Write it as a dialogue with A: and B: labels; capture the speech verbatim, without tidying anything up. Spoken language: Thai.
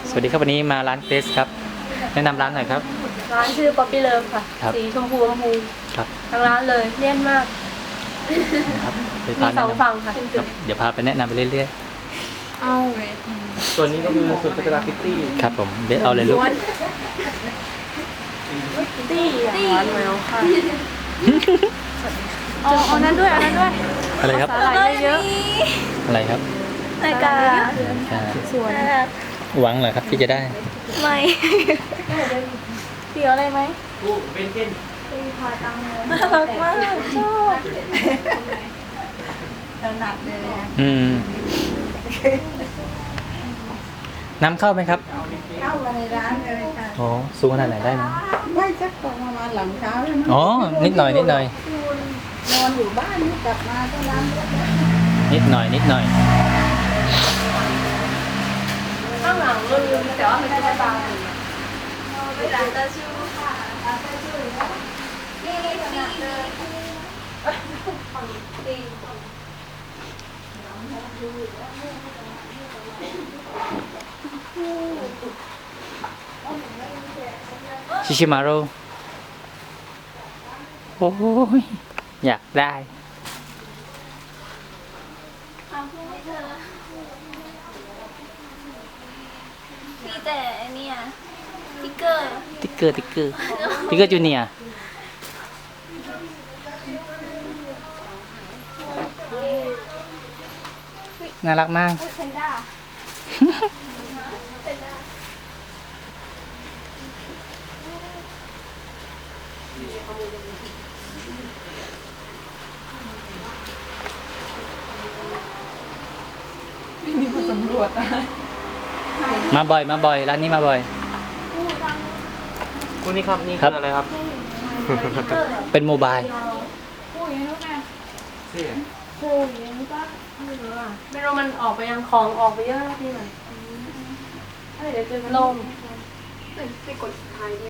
A: สวัสดีครับวันนี้มาร้านเกรสครับแนะนำร้านหน่อยครับ
B: ร้านชื่อ Poppy Love ค่ะ
A: ครับ
B: สีชมพูชมพู
A: ครับ
B: ทั้งร้านเลยเลี่ยนมาก
A: นะครับไป
B: มี
A: พา
B: ส
A: แนะ
B: อง
A: นำ
B: ฝั่งค่ะ
A: ครับเดี๋ยวพาไปแนะนำไปเรื่อย
B: เอา
C: ส่วนนี้ก็คือส่วนกราฟิตี้
A: ๆครับผมเบสเอาเลยลูก
B: ตี้ร้านแมวค่ะเอาเอานั้นด้วยเอานั้นด้วย
A: อะไรครับ
B: สาหร่ายเยอะ
A: อะไรครับ
B: ๆรายการ
A: อ่า
B: สวน
A: หวังเหรอครับที่จะได้
B: ไม่เสียวอะไรไหม
C: กูเป็นเก้น
B: น่ารักมากชอบ
A: อืมน้ำเข้าไหมครับ
D: เข้ามาในร้านเลยค่ะ
A: อ๋อสูงขนาดไหนได้นะ
D: ไม่สักประมาณหลังเช้าแล้วมั้ง
A: อ๋อนิดหน่อยนิดหน่อย
D: นอนอยู่บ้านนี่กลับมาก็ร้านรถแล้ว
A: นิดหน่อยนิดหน่อย
B: ข้างหลังลืมแต่ว่ามันจะบางไม่ร้านตาชูค่ะร้านตาชูนี่นี่ขนาดเลย
A: ชิชิมาโร่โอ้ยอยากได้
E: มีแต่อันเนี่ยสติ๊กเกอร์
A: ติ๊กเกอร์ติ๊กเกอร์ติ๊กเกอร์จูเนียร์น่ารักมาก
E: เพนด้า
A: มาบ่อยมาบ่อยร้านนี้มาบ่อย
C: คุณนี่ครับนี่
A: ครั
C: คื
A: บ
C: ออะไรครับ
A: เป็นโมบาย
C: เสื้อ
B: ไม่รู้มันออกไปยังของออกไปเยอะพี่หน่อยเดี๋ยวเจอกันลม